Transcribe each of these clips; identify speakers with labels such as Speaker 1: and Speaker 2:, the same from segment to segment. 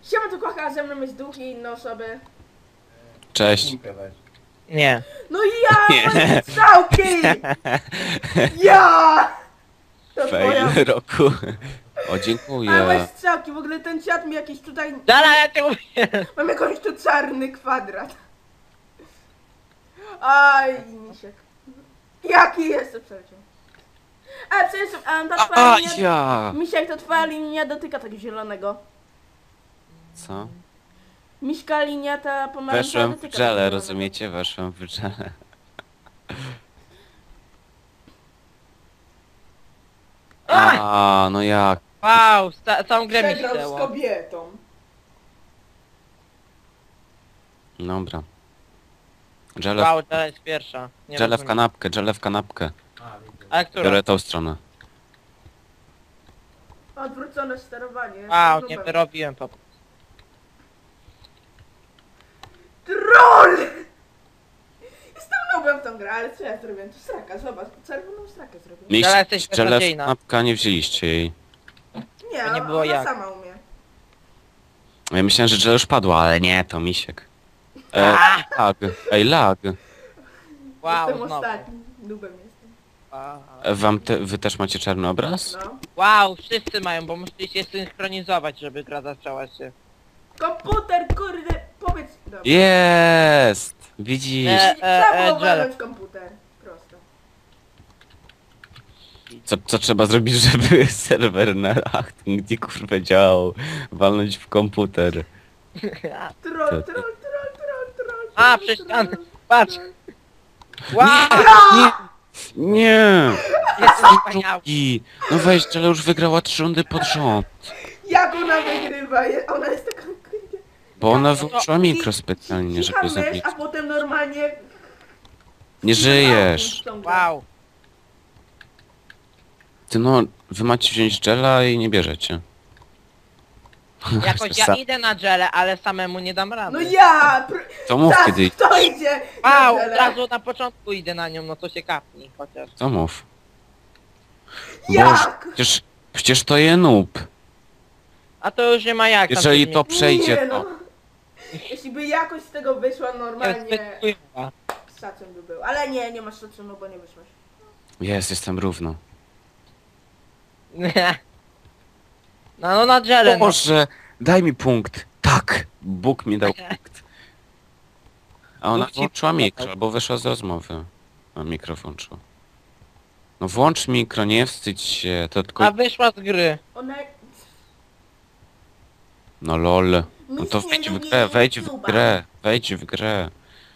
Speaker 1: Siema, tu kocha, ze mną jest duch i inne osoby.
Speaker 2: Cześć.
Speaker 3: Nie.
Speaker 1: No ja,
Speaker 2: Nie.
Speaker 1: moje strzałki! Ja! To twoja...
Speaker 2: Fail roku. O,
Speaker 1: A moje
Speaker 2: dziękuję.
Speaker 1: strzałki, w ogóle ten czat mi jakiś tutaj...
Speaker 3: Dala, ja cię mówię.
Speaker 1: Mam jakąś tu czarny kwadrat. Aj, misiek. Jaki jest przecież? A, przepraszam, ta twoja
Speaker 2: A,
Speaker 1: linia...
Speaker 2: ja.
Speaker 1: Misiek, to twoja linia dotyka tego zielonego.
Speaker 2: Co?
Speaker 1: Miśka linia ta pomarańczowa
Speaker 2: Weszłem w
Speaker 1: dotyka tego
Speaker 2: dżele,
Speaker 1: zielonego.
Speaker 2: rozumiecie? Weszłem w dżele. A, no jak?
Speaker 3: Wow, całą grę mi
Speaker 1: Przegrał z
Speaker 3: ścięło.
Speaker 1: kobietą.
Speaker 2: Dobra. Dżele,
Speaker 3: Wow, to jest pierwsza. Nie
Speaker 2: dżele w
Speaker 3: rozumiem.
Speaker 2: kanapkę, dżele w kanapkę.
Speaker 3: A która?
Speaker 2: Biorę tą stronę.
Speaker 1: Odwrócone sterowanie.
Speaker 3: Wow,
Speaker 1: Jestem
Speaker 3: nie
Speaker 1: nubem.
Speaker 3: wyrobiłem po prostu.
Speaker 1: Troll! Jestem nubem w tą grę, ale co ja zrobiłem? To sraka, zobacz, czerwoną srakę zrobiłem.
Speaker 2: Mieliście
Speaker 3: jesteś
Speaker 2: dżele w
Speaker 3: beznadziejna.
Speaker 2: kanapkę, a nie wzięliście jej.
Speaker 1: Nie,
Speaker 3: to nie było
Speaker 1: ona
Speaker 3: jak.
Speaker 1: sama umie.
Speaker 2: Ja myślałem, że dżele już padło, ale nie, to misiek. Lag. Ej, lag.
Speaker 3: Wow,
Speaker 1: Jestem
Speaker 3: znowu.
Speaker 1: ostatni, nubem jestem.
Speaker 2: Wy też macie czarny obraz?
Speaker 1: No.
Speaker 3: Wow, wszyscy mają, bo musicie się synchronizować, żeby gra zaczęła się.
Speaker 1: Komputer, kurde, powiedz... Dobra.
Speaker 2: Jest! Widzisz?
Speaker 1: Trzeba było
Speaker 3: Dżele.
Speaker 1: walnąć komputer. Prosto.
Speaker 2: Co trzeba zrobić, żeby serwer na Achtung gdzie kurwa działał? Walnąć w komputer.
Speaker 1: Troll.
Speaker 3: A, przez ścianę. Patrz. Wow,
Speaker 2: Nie!
Speaker 3: jest wspaniały.
Speaker 2: I no weź, ale już wygrała 3 rundy pod rząd.
Speaker 1: Jak ona wygrywa? Ona jest taka... kurde.
Speaker 2: Bo ona wyłączyła mikro specjalnie,
Speaker 1: Cicha
Speaker 2: żeby zabić.
Speaker 1: mysz, a potem normalnie...
Speaker 2: Nie żyjesz.
Speaker 3: Wow.
Speaker 2: Ty no, wy macie wziąć Jella i nie bierzecie.
Speaker 3: Jakoś ja idę na dżele, ale samemu nie dam
Speaker 1: No
Speaker 3: rady.
Speaker 1: ja!
Speaker 2: To mów kiedy...
Speaker 1: Kto idzie?
Speaker 3: Wow,
Speaker 1: na
Speaker 3: od
Speaker 1: tele?
Speaker 3: razu na początku idę na nią, no to się kapnij chociaż.
Speaker 2: To mów.
Speaker 1: Jak?
Speaker 2: Boże, przecież to je noob.
Speaker 3: A to już nie ma jak. tam
Speaker 2: Jeżeli
Speaker 3: się
Speaker 2: to przejdzie,
Speaker 1: Nie, no.
Speaker 2: to...
Speaker 1: Jeśli by jakoś z tego wyszła
Speaker 3: zmieni.
Speaker 1: normalnie,
Speaker 3: Jest chujowa.
Speaker 1: szacun by był. Ale nie, nie masz szacunu, bo nie wyszłaś.
Speaker 2: Jestem równo.
Speaker 3: No na dżele, no.
Speaker 2: Boże, daj mi punkt. Tak, Bóg mi dał punkt. A ona
Speaker 3: Bóg ci
Speaker 2: włączyła
Speaker 3: pomagał.
Speaker 2: mikro, bo wyszła z rozmowy. A mikro włączyła. No włącz mikro, nie wstydź się, to tylko...
Speaker 3: A wyszła z gry.
Speaker 1: Ona...
Speaker 2: No lol. No to
Speaker 1: Nic nie
Speaker 2: wejdź w
Speaker 1: lubi
Speaker 2: grę, wejdź w
Speaker 1: YouTube'a.
Speaker 2: grę, wejdź w grę.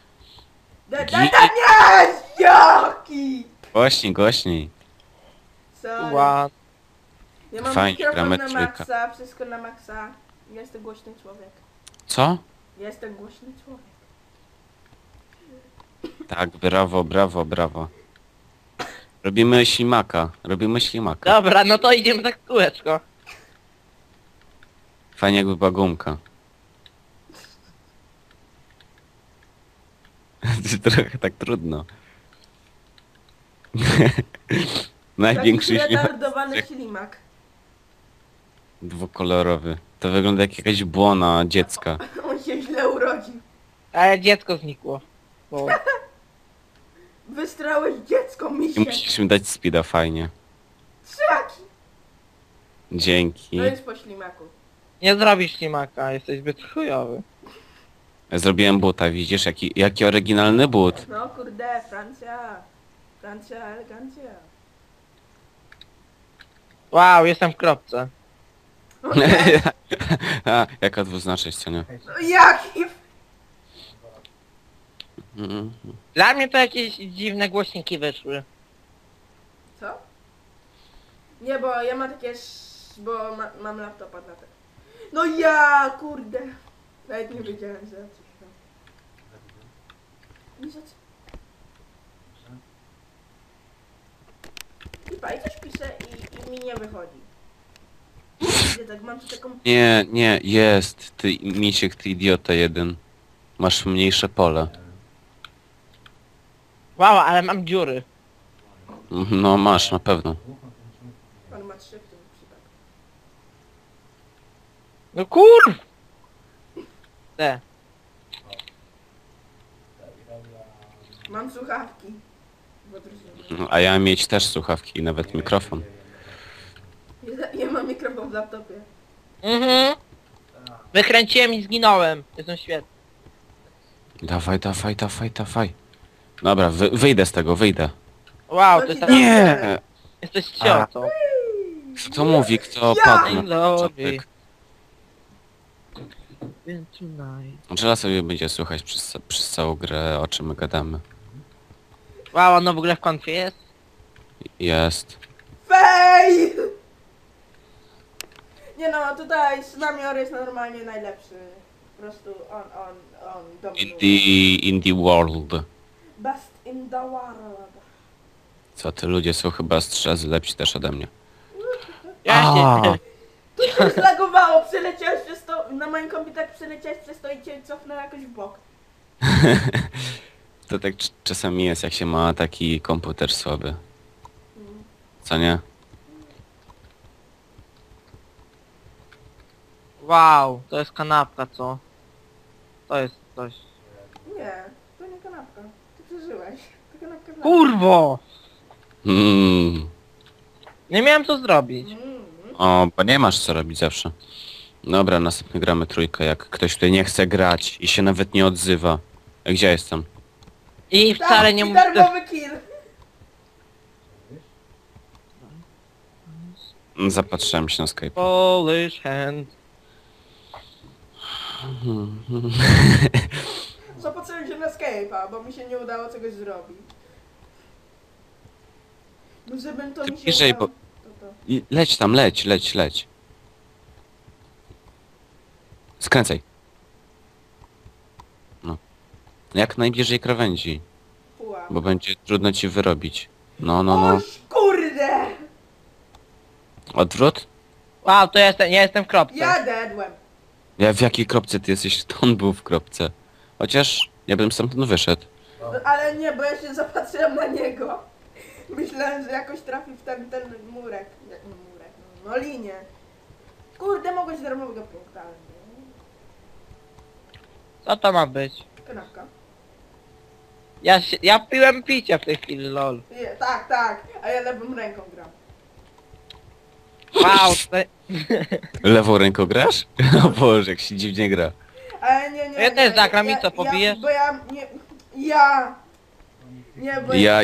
Speaker 1: Nie! Jaki!
Speaker 2: Głośniej.
Speaker 1: Sorry.
Speaker 3: Wow.
Speaker 1: Ja mam
Speaker 2: Fajnie,
Speaker 1: mikrofon
Speaker 2: gramy
Speaker 1: na
Speaker 2: trójkę.
Speaker 1: maksa, wszystko na maksa. Ja jestem głośny człowiek.
Speaker 2: Co?
Speaker 1: Ja jestem głośny człowiek.
Speaker 2: Tak, brawo. Robimy ślimaka.
Speaker 3: Dobra, no to idziemy tak w kółeczko.
Speaker 2: Fajnie jakby była gumka. Trochę tak trudno. Największy
Speaker 1: Taki
Speaker 2: ślimak
Speaker 1: retardowany ślimak.
Speaker 2: dwukolorowy. To wygląda jak jakaś błona dziecka.
Speaker 1: On się źle urodził.
Speaker 3: Ale dziecko znikło. Bo...
Speaker 1: Wystrałeś dziecko,
Speaker 2: I
Speaker 1: misie.
Speaker 2: musisz mi dać speeda fajnie.
Speaker 1: Trzaki.
Speaker 2: Dzięki.
Speaker 1: To jest po ślimaku.
Speaker 3: Nie zrobisz ślimaka, jesteś zbyt chujowy.
Speaker 2: Zrobiłem buta, widzisz? Jaki oryginalny but.
Speaker 1: No kurde, Francja. Francja, elegancja.
Speaker 3: Wow, jestem w kropce.
Speaker 1: O nie,
Speaker 2: A, jaka dwuznaczność, co nie?
Speaker 1: no jaki...
Speaker 2: Mm.
Speaker 3: Dla mnie to jakieś dziwne głośniki wyszły.
Speaker 1: Co? Nie, bo ja mam takie... bo mam laptopa na te. No ja, kurde. Nawet nie wiedziałem, że coś tam. I za co? I coś piszę i mi nie wychodzi. Widzę, tak mam tu taką...
Speaker 2: Nie, jest. Ty, misiek, ty idiota jeden. Masz mniejsze pole.
Speaker 3: Wow, ale mam dziury.
Speaker 2: No masz, na pewno.
Speaker 1: On ma 3 w tym przypadku.
Speaker 3: No kur... Te.
Speaker 1: Mam słuchawki. W odróżnieniu.
Speaker 2: A ja mieć też słuchawki i nawet mikrofon.
Speaker 1: Ja mam mikrofon w laptopie.
Speaker 3: Mhm. Wykręciłem i zginąłem. Jestem świetny.
Speaker 2: Dawaj, dawaj, dawaj, dawaj. Dobra, wyjdę z tego, wyjdę.
Speaker 3: Wow,
Speaker 1: To
Speaker 3: to
Speaker 1: ci
Speaker 3: jest...
Speaker 1: dam-
Speaker 2: Nie!
Speaker 3: Jesteś ciotą.
Speaker 2: Kto mówi, kto
Speaker 1: Ja!
Speaker 2: padł?
Speaker 3: I'm
Speaker 2: na
Speaker 3: lonely.
Speaker 2: początek?
Speaker 3: Tonight.
Speaker 2: Angela sobie będzie słuchać przez całą grę, o czym my gadamy.
Speaker 3: Wow, ono w ogóle w konfie jest?
Speaker 2: Jest.
Speaker 1: Fail! Nie no, tutaj Snamior jest normalnie najlepszy. Po prostu on dominuje.
Speaker 2: In the world.
Speaker 1: Best in the world.
Speaker 2: Co ty, ludzie są chyba strzezy lepsi też ode mnie.
Speaker 3: Ja się...
Speaker 1: Tu się zlagowało, przeleciałeś przez to, na moim komputerze przeleciałeś przez to i cię cofnął jakoś w bok.
Speaker 2: To tak czasami jest, jak się ma taki komputer słaby. Co nie?
Speaker 3: Wow, to jest kanapka, co? To jest coś.
Speaker 1: Nie, to nie kanapka. Ty przeżyłeś. To kanapka dla
Speaker 3: Kurwo!
Speaker 2: Mm.
Speaker 3: Nie miałem co zrobić.
Speaker 2: O, bo nie masz co robić zawsze. Dobra, następnie gramy trójkę, jak ktoś tutaj nie chce grać i się nawet nie odzywa. Gdzie jestem?
Speaker 3: I wcale nie
Speaker 1: i
Speaker 3: mówię...
Speaker 1: darmowy kill.
Speaker 2: Zapatrzyłem się na Skype.
Speaker 3: Polish hand.
Speaker 1: Zapatrzyłem się na Skype'a, bo mi się nie udało czegoś zrobić. No żebym to mi się
Speaker 2: bliżej,
Speaker 1: udało,
Speaker 2: bo-
Speaker 1: to.
Speaker 2: I leć tam, leć. Skręcaj. No. Jak najbliżej krawędzi,
Speaker 1: Puła.
Speaker 2: bo będzie trudno ci wyrobić. No.
Speaker 1: Oś kurde!
Speaker 2: Odwrót?
Speaker 3: Wow, to jestem, ja jestem w kropce.
Speaker 1: Ja dedłem.
Speaker 2: Ja w jakiej kropce ty jesteś? To on był w kropce. Chociaż ja bym stamtąd wyszedł.
Speaker 1: No, ale nie, bo ja się zapatrzyłem na niego. Myślałem, że jakoś trafi w ten murek. No murek, no linię. Kurde, mogłeś darmowego punkta, ale nie.
Speaker 3: Co to ma być?
Speaker 1: Kanapka.
Speaker 3: Ja piłem picie w tej chwili, lol.
Speaker 1: Nie, tak, a ja lewą ręką gram.
Speaker 3: Wow, to...
Speaker 2: Lewą ręką grasz? O Boże, jak się dziwnie gra.
Speaker 1: Ale nie.
Speaker 3: Ja też zagram i co, pobijesz?
Speaker 1: Bo ja, nie, ja. Nie, bo
Speaker 2: Ja.
Speaker 1: A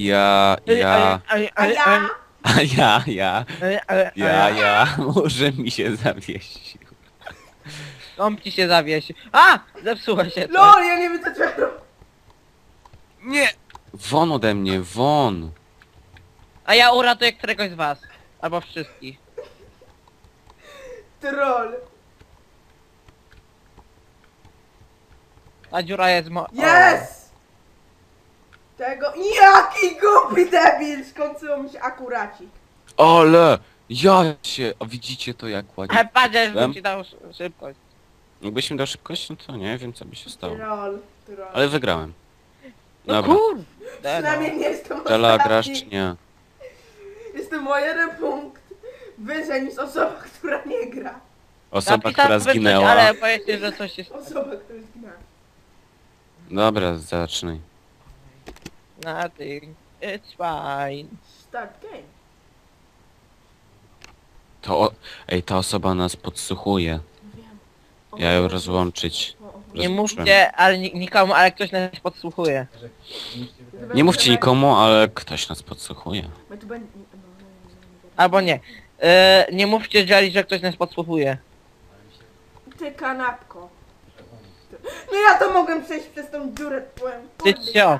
Speaker 1: ja?
Speaker 2: Może mi się zawiesił.
Speaker 3: On ci się zawiesi. A! Zepsuła się coś.
Speaker 1: LOL, ja nie wiem co trzeba robić.
Speaker 2: Nie! Won ode mnie, won!
Speaker 3: A ja uratuję któregoś z was. Albo wszystkich.
Speaker 1: Troll.
Speaker 3: Ta dziura jest
Speaker 1: Yes! Tego... Jaki głupi debil! Skończyło mi się akuracik.
Speaker 2: Ale! Ja się... O, widzicie to jak ładnie.
Speaker 3: Ale patrz, bym
Speaker 2: Wiem.
Speaker 3: ci dał szybkość.
Speaker 2: Jakbyś mi dał szybkość, no to nie wiem co by się stało.
Speaker 1: Troll.
Speaker 2: Ale wygrałem.
Speaker 3: No
Speaker 2: Dobra.
Speaker 3: kurde.
Speaker 1: Przynajmniej nie jestem
Speaker 2: Tela,
Speaker 1: ostatni.
Speaker 2: grasz czy nie?
Speaker 1: Jestem o jeden punkt wyżej niż osoba, która nie gra.
Speaker 2: Osoba, która
Speaker 3: Coś,
Speaker 2: zginęła.
Speaker 3: ale powiedzcie, że coś jest...
Speaker 1: Osoba, która zginęła.
Speaker 2: Dobra, zacznij.
Speaker 3: Nothing. It's fine.
Speaker 1: Start game.
Speaker 2: Ej, ta osoba nas podsłuchuje.
Speaker 1: Wiem.
Speaker 2: Ja ją rozłączyć.
Speaker 3: Nie
Speaker 2: Rozumiem.
Speaker 3: mówcie, ale nikomu, ale ktoś nas podsłuchuje.
Speaker 2: Nie mówcie nikomu, ale ktoś nas podsłuchuje.
Speaker 1: My tu będzie...
Speaker 3: Albo nie. Nie mówcie Jelly, że ktoś nas podsłuchuje.
Speaker 1: Ty kanapko. No ja to mogłem przejść przez tą dziurę twoją.
Speaker 3: Ty cio.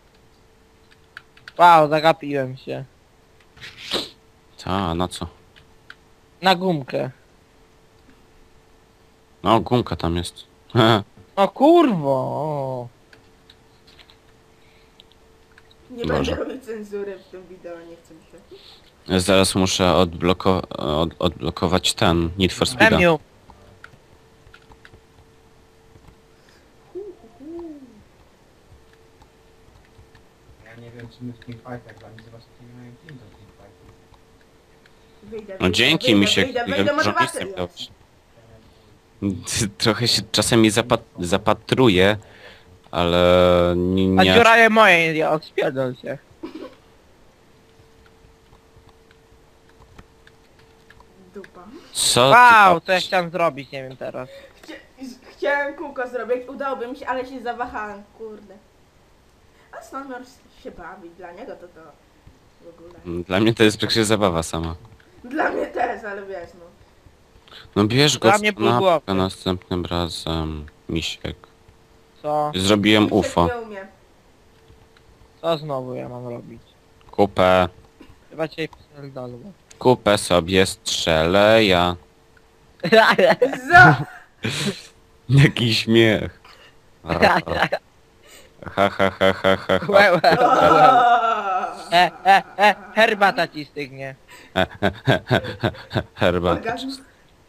Speaker 3: Wow, zagapiłem się.
Speaker 2: Ta, na co?
Speaker 3: Na gumkę.
Speaker 2: No, gumka tam jest.
Speaker 3: O kurwo.
Speaker 1: Nie
Speaker 2: Boże.
Speaker 1: będę robić cenzury w tym wideo, nie chcę mi się.
Speaker 2: Zaraz muszę odblokować ten Need for Speeda.
Speaker 3: Emiu.
Speaker 4: Ja nie wiem, czy my w teamfightach gramy, zobaczcie, nie mają team do teamfightów.
Speaker 1: Wyjdę,
Speaker 2: No dzięki, mi się
Speaker 1: wyjdę,
Speaker 2: dużo
Speaker 1: może
Speaker 2: miejsca
Speaker 1: baterii
Speaker 2: miał.
Speaker 1: jest.
Speaker 2: Trochę się czasami zapatruję, ale
Speaker 3: A
Speaker 2: nie...
Speaker 3: dziura je moje, ja odspierdol się.
Speaker 1: Dupa.
Speaker 2: Co
Speaker 3: Wow,
Speaker 2: ty
Speaker 3: co ja chciałem zrobić, nie wiem teraz.
Speaker 1: Chciałem kółko zrobić, udałoby mi się, ale się zawahałem, kurde. A Snowmor się bawi, dla niego to w ogóle.
Speaker 2: Dla mnie to jest przecież zabawa sama.
Speaker 1: Dla mnie też, ale wiesz no.
Speaker 2: No bierz go
Speaker 3: Dla
Speaker 2: w
Speaker 3: mnie pół
Speaker 2: kanapkę
Speaker 3: głowy.
Speaker 2: następnym razem, misiek.
Speaker 3: Co?
Speaker 2: Zrobiłem
Speaker 1: Misiek
Speaker 2: UFO.
Speaker 1: nie umie.
Speaker 3: Co znowu ja mam robić?
Speaker 2: Kupę.
Speaker 3: Chyba cię pierdolę.
Speaker 2: Kupę sobie strzelę ja.
Speaker 1: Za!
Speaker 2: Jaki śmiech. Ha ha ha ha ha ha.
Speaker 3: Herbata ci stygnie.
Speaker 2: Herbat.
Speaker 1: Orgazm.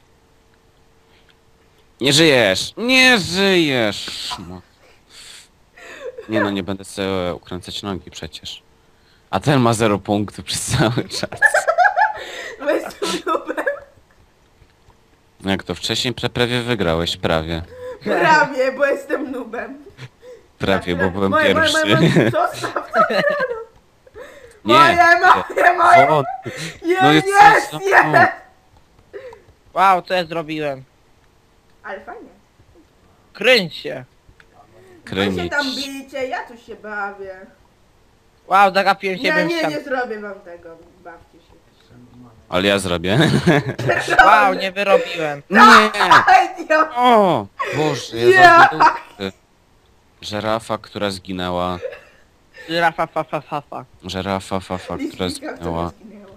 Speaker 2: Nie żyjesz! Nie żyjesz! No. Nie no, nie będę sobie ukręcać nogi przecież. A ten ma 0 punktów przez cały czas.
Speaker 1: Bo jestem nubem.
Speaker 2: Jak to wcześniej prawie wygrałeś, prawie.
Speaker 1: Prawie, bo jestem nubem.
Speaker 2: Prawie, bo byłem
Speaker 1: Moje,
Speaker 2: pierwszy.
Speaker 1: Zostaw to.
Speaker 2: Nie!
Speaker 1: Moje.
Speaker 2: O,
Speaker 1: No
Speaker 2: jest
Speaker 1: jest,
Speaker 2: coś-
Speaker 1: jest.
Speaker 3: Wow, co ja zrobiłem?
Speaker 1: Ale fajnie.
Speaker 3: Kręć się.
Speaker 1: Wy się
Speaker 2: krymić.
Speaker 1: tam bijcie, ja tu się bawię.
Speaker 3: Wow, zagapiłem się
Speaker 1: Nie,
Speaker 3: w
Speaker 1: nie,
Speaker 3: ścian.
Speaker 1: nie zrobię wam tego. Bawcie się.
Speaker 2: Ale ja zrobię.
Speaker 3: Wow, nie wyrobiłem.
Speaker 2: Nie!
Speaker 1: Aj, Dio.
Speaker 2: O! Boże, ja
Speaker 1: Ja.
Speaker 2: zrobię. Żerafa, która zginęła.
Speaker 3: Żyrafa, fa, fa, fa, fa.
Speaker 2: Żerafa, która
Speaker 1: Listka,
Speaker 2: zginęła.
Speaker 1: która zginęła.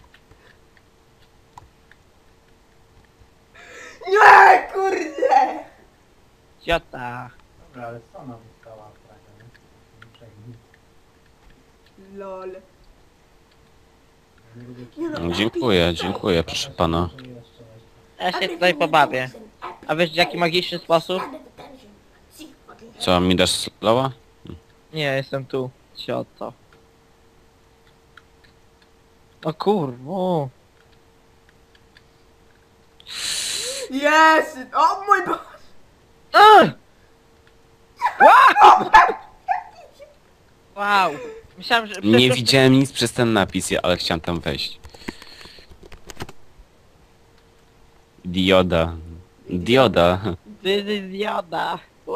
Speaker 1: Nie, kurde!
Speaker 3: Ciota.
Speaker 4: Dobra, ale co nam została praga, nie? Nie przejmuj.
Speaker 1: Lol.
Speaker 4: Ja nie lubię
Speaker 1: Nie no,
Speaker 2: Dziękuję, proszę pana.
Speaker 4: że jeszcze
Speaker 3: Ja się tutaj pobawię. A wiesz w jaki magiczny sposób?
Speaker 2: Co, mi dasz slowa?
Speaker 3: Nie, jestem tu. Cioto. O kurwa.
Speaker 1: Jest! O mój Boże!
Speaker 3: Wow. Myślałem, że...
Speaker 2: Nie
Speaker 3: przecież-
Speaker 2: widziałem nic przez ten napis, ale chciałem tam wejść. Dioda. Dioda.
Speaker 3: Dioda.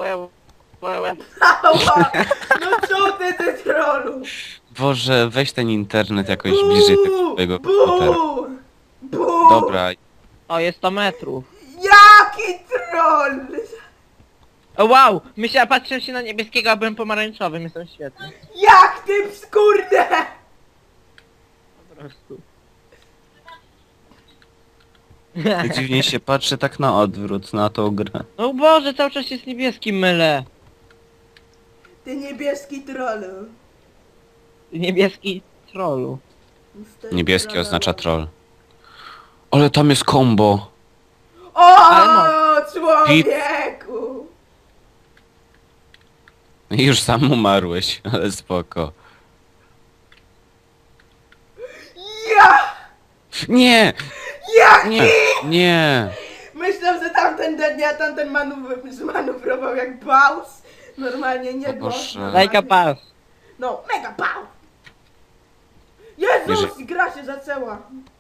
Speaker 1: Ała! No co ty trollu?
Speaker 2: Boże, weź ten internet jakoś bliżej tego swojego komputera.
Speaker 1: Bu! Bu!
Speaker 2: Dobra,
Speaker 3: O, jest 100 metrów.
Speaker 1: Jaki troll!
Speaker 3: O wow! Myślałem, patrzę się na niebieskiego, a byłem pomarańczowym. Jestem świetny.
Speaker 1: Jak ty skurde!
Speaker 3: Po prostu.
Speaker 2: dziwnie się patrzy tak na odwrót, na tą grę.
Speaker 3: No Boże, cały czas jest niebieski, mylę.
Speaker 1: Ty niebieski trollu.
Speaker 3: Niebieski trollu.
Speaker 2: Niebieski oznacza troll. Ale tam jest combo.
Speaker 1: O,
Speaker 3: Ale
Speaker 1: człowieku!
Speaker 2: Już sam umarłeś, ale spoko.
Speaker 1: Ja!
Speaker 2: Nie!
Speaker 1: Jaki?
Speaker 2: Nie! Nie!
Speaker 1: Myślę, że tamten dnia tamten zmanewrował jak baus. Normalnie nie
Speaker 2: O
Speaker 1: było.
Speaker 2: Boże.
Speaker 3: Like a pass.
Speaker 1: No, mega baus! Jezus, gra się zaczęła.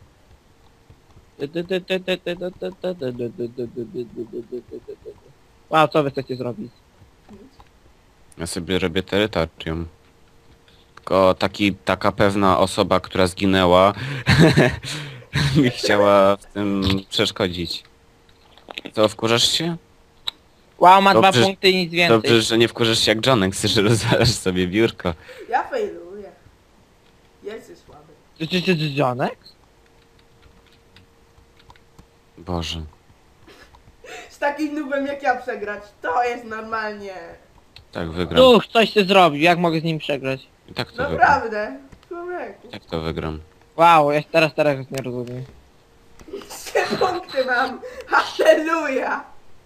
Speaker 3: Wow, co wy chcecie zrobić?
Speaker 2: Ja sobie robię terytorium. Tylko taka pewna osoba, która zginęła, mi chciała w tym przeszkodzić. Co, wkurzasz się?
Speaker 3: Wow, ma
Speaker 2: Dobrze,
Speaker 3: 2 punkty i nic więcej.
Speaker 2: Dobrze, że nie wkurzasz się jak Johnek, że rozwalasz sobie biurko.
Speaker 1: Ja failuję. Jesteś słaby.
Speaker 3: Jonek?
Speaker 2: Boże.
Speaker 1: Z takim nubem jak ja przegrać, to jest normalnie.
Speaker 2: Tak wygram.
Speaker 3: Duch, coś ty zrobił, jak mogę z nim przegrać?
Speaker 2: I tak to wygram.
Speaker 1: Naprawdę. Człowieku.
Speaker 2: Jak to wygram?
Speaker 3: Wow, ja teraz nie rozumiem.
Speaker 1: 3 punkty mam. Halleluja.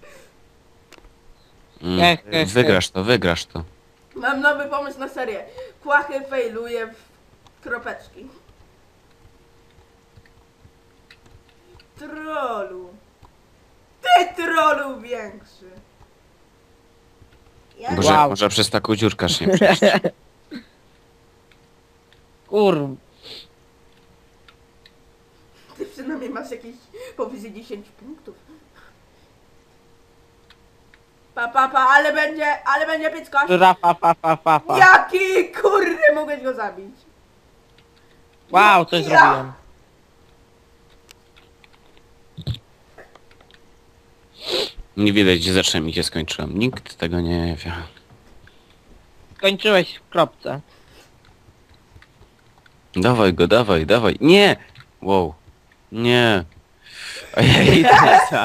Speaker 2: Wygrasz to.
Speaker 1: Mam nowy pomysł na serię. Kłachy failuje w kropeczki. Trollu. Ty trolu większy. Ja
Speaker 2: Boże,
Speaker 3: Wow.
Speaker 2: może przez taką dziurkaż nie przejść.
Speaker 3: Kur...
Speaker 1: Ty przynajmniej masz jakieś powyżej 10 punktów. Pa, ale będzie pieckość.
Speaker 3: Fa.
Speaker 1: Jaki kurde mogłeś go zabić?
Speaker 3: Wow, coś
Speaker 1: Ja.
Speaker 3: zrobiłem.
Speaker 2: Nie widać, gdzie zacząłem i gdzie skończyłem. Nikt tego nie wie.
Speaker 3: Skończyłeś w kropce.
Speaker 2: Dawaj go, dawaj, dawaj. Nie! Wow. Nie. Ojej, to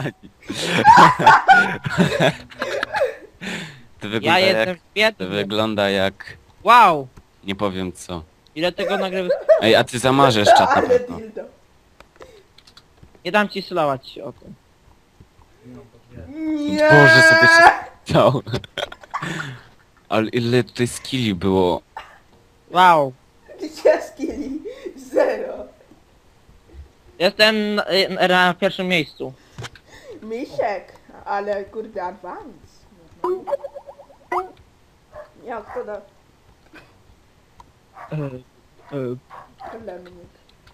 Speaker 2: To
Speaker 3: Ja
Speaker 2: wygląda
Speaker 3: jestem
Speaker 2: jak... To
Speaker 3: biedny.
Speaker 2: wygląda jak...
Speaker 3: Wow!
Speaker 2: Nie powiem co.
Speaker 3: Ile tego nagrywy...
Speaker 2: Ej, a ty zamarzesz czat na
Speaker 1: Ale
Speaker 2: pewno.
Speaker 1: dildo.
Speaker 3: Nie dam ci slować się o tym.
Speaker 4: Nie mam potwierdzenia.
Speaker 1: Nie.
Speaker 2: Boże, sobie się stał. Ale ile tutaj skilli było.
Speaker 3: Wow!
Speaker 1: Gdzie skilli? 0.
Speaker 3: Jestem na pierwszym miejscu.
Speaker 1: Misiek, ale kurde advance. Jak to da? Lemnik.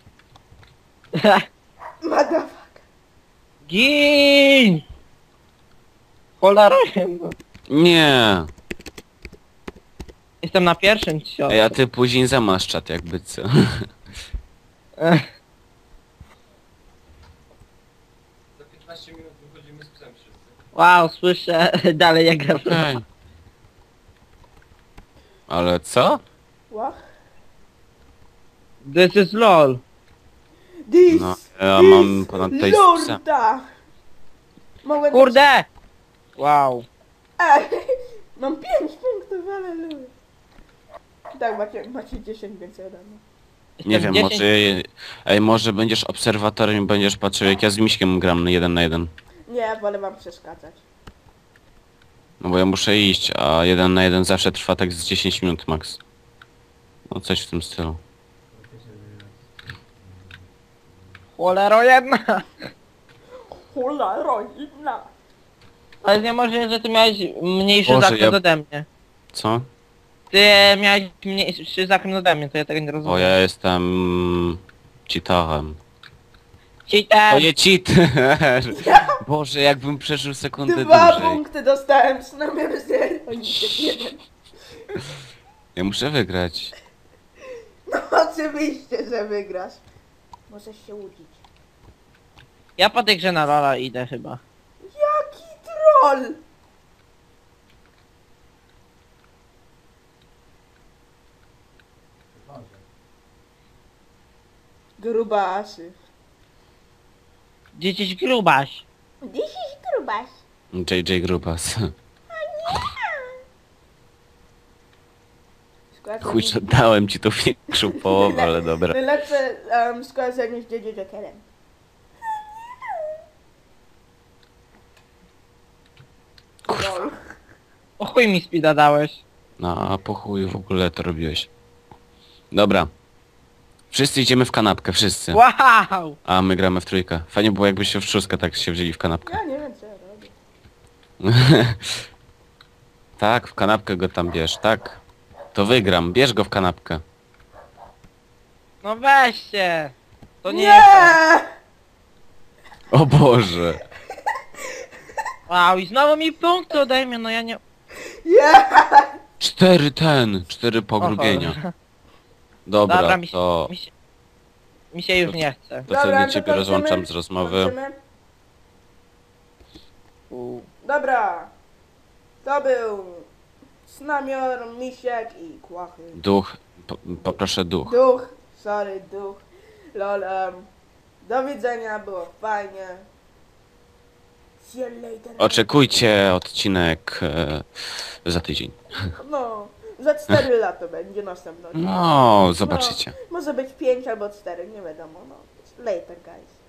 Speaker 1: Motherfucker.
Speaker 3: Gin! Cholera.
Speaker 2: Nie.
Speaker 3: Jestem na pierwszym cios.
Speaker 2: Ej, a ty później zamasz czat jakby co.
Speaker 4: Za 15 minut wychodzimy z psem wszyscy.
Speaker 3: Wow, słyszę dalej jak gra.
Speaker 2: Ej. Ale co?
Speaker 1: What?
Speaker 3: This is LOL.
Speaker 1: This
Speaker 2: No, ja mam ponad tutaj z psa.
Speaker 1: Lorda. Mogłem...
Speaker 3: Kurde! Wow.
Speaker 1: Ej, mam 5 punktów, ale lubię. Tak, macie 10 więcej ode mnie.
Speaker 2: Nie wiem,
Speaker 3: 10.
Speaker 2: może... Ej, może będziesz obserwatorem i będziesz patrzył jak ja z Miśkiem gram na 1 na 1.
Speaker 1: Nie, wolę wam przeszkadzać.
Speaker 2: No bo ja muszę iść, a 1 na 1 zawsze trwa tak z 10 minut max. No coś w tym stylu.
Speaker 3: Cholero jedna.
Speaker 1: Hula, rodzina.
Speaker 3: Ale nie może, że ty miałeś mniejszy
Speaker 2: Boże,
Speaker 3: zakręt
Speaker 2: ja-
Speaker 3: ode mnie.
Speaker 2: Co?
Speaker 3: Ty miałeś mniejszy zakręt ode mnie, to ja tego nie rozumiem.
Speaker 2: O, ja jestem... cheaterem. To
Speaker 3: Cheater!
Speaker 2: nie cheater! Boże, jakbym przeżył sekundę
Speaker 1: 2
Speaker 2: dłużej.
Speaker 1: punkty dostałem, przynajmniej 0. Jeden.
Speaker 2: Ja muszę wygrać.
Speaker 1: No oczywiście, że wygrasz. Możesz się łudzić.
Speaker 3: Ja po tej grze na Lola idę chyba.
Speaker 1: Jaki troll!
Speaker 4: Chyba, że.
Speaker 1: Grubasy.
Speaker 3: Gdzieś grubaś.
Speaker 1: This is grubas.
Speaker 2: JJ Grubas. Chuj, że dałem ci tą większą połowę, ale dobra.
Speaker 1: Najlepsze skojarzenie z JJ Jokerem. Lol.
Speaker 3: O chuj mi speeda dałeś.
Speaker 2: No, a po chuj w ogóle to robiłeś. Dobra. Wszyscy idziemy w kanapkę, wszyscy.
Speaker 3: Wow!
Speaker 2: A my gramy w trójkę. Fajnie było jakbyście w szóstkę tak się wzięli w kanapkę.
Speaker 1: Ja nie wiem co ja robię.
Speaker 2: Tak, w kanapkę go tam bierz, tak. To wygram, bierz go w kanapkę.
Speaker 3: No weź się! To nie,
Speaker 1: Nie!
Speaker 3: jest to.
Speaker 2: O Boże.
Speaker 3: Wow, i znowu mi punkt ode mnie, no ja nie...
Speaker 1: Nie!
Speaker 2: 4 pogrubienia.
Speaker 3: O,
Speaker 2: Dobra,
Speaker 3: Dobra,
Speaker 2: to...
Speaker 3: mi się już nie chce.
Speaker 2: To wtedy ciebie
Speaker 1: kończymy.
Speaker 2: rozłączam z rozmowy.
Speaker 1: Kończymy. Dobra. To był Snamior, Misiek i Kłachy.
Speaker 2: Duch, poproszę duch.
Speaker 1: Duch. Sorry, duch. Lol. Do widzenia, było fajnie. See you later.
Speaker 2: Oczekujcie odcinek za tydzień.
Speaker 1: No, za 4 lata będzie następny odcinek.
Speaker 2: No, zobaczycie.
Speaker 1: Może być 5 albo 4, nie wiadomo. No. Later, guys.